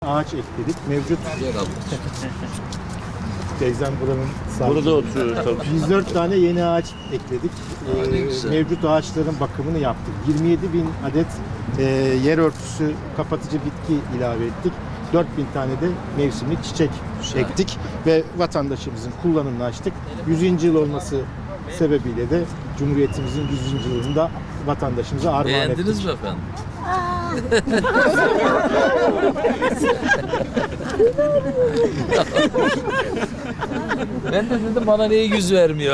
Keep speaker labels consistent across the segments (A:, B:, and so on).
A: Ağaç ekledik. Mevcut
B: Yer aldık.
A: teyzem buranın sahibi.
C: Burada oturuyoruz tabii.
A: 104 tane yeni ağaç ekledik.
B: Ne güzel.
A: Mevcut ağaçların bakımını yaptık. 27 bin adet yer örtüsü kapatıcı bitki ilave ettik. 4.000 tane de mevsimlik çiçek ektik ve vatandaşımızın kullanımını açtık. 100. yıl olması sebebiyle de Cumhuriyetimizin 100. yılını da vatandaşımıza armağan ettik.
B: Beğendiniz mi efendim? Ben de dedim bana niye yüz vermiyor?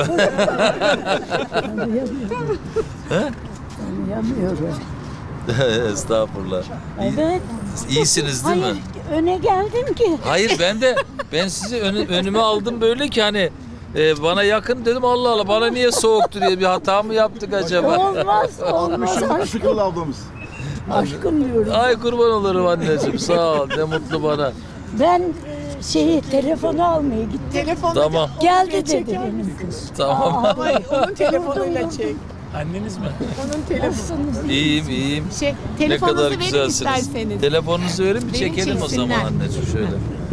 D: Anlayamıyorum.
B: Estağfurullah.
D: Evet.
B: İyisiniz değil
D: Hayır,
B: mi?
D: öne geldim ki.
B: Hayır ben sizi önüme aldım böyle ki hani bana yakın dedim Allah Allah bana niye soğuktu diye bir hata mı yaptık acaba?
D: Olmaz, olmaz.
C: Işıklı ablamız.
D: Aşkım diyorum.
B: Ay kurban olurum anneciğim sağ ol ne mutlu bana.
D: Ben telefonu almaya gittim.
E: Telefonu
B: Tamam.
D: Geldi dedi benim kız.
B: Tamam.
E: Hayır, onun telefonuyla çek.
B: Anneniz mi?
E: Onun telefonu.
D: Nasılsınız?
B: İyiyim.
E: Şey,
B: Ne
E: telefonunuzu
B: kadar
E: verin
B: güzelsiniz.
E: isterseniz.
B: Telefonunuzu verin bir
E: Beni
B: çekelim o zaman
E: çeksinler.
B: anneciğim şöyle.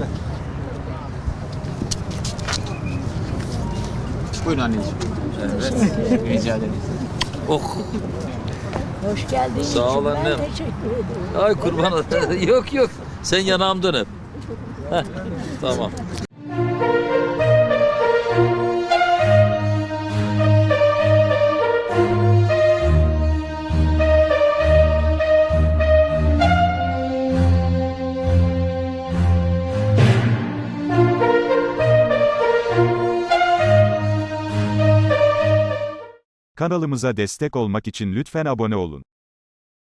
F: Buyurun anneciğim. Rica ederim.
B: Oh.
D: Hoş geldin.
B: Sağ ol
D: Ben
B: annem.
D: teşekkür ederim.
B: Ay kurban olayım. Yok. Sen yanağımdan öp. Heh, tamam.
G: Kanalımıza destek olmak için lütfen abone olun.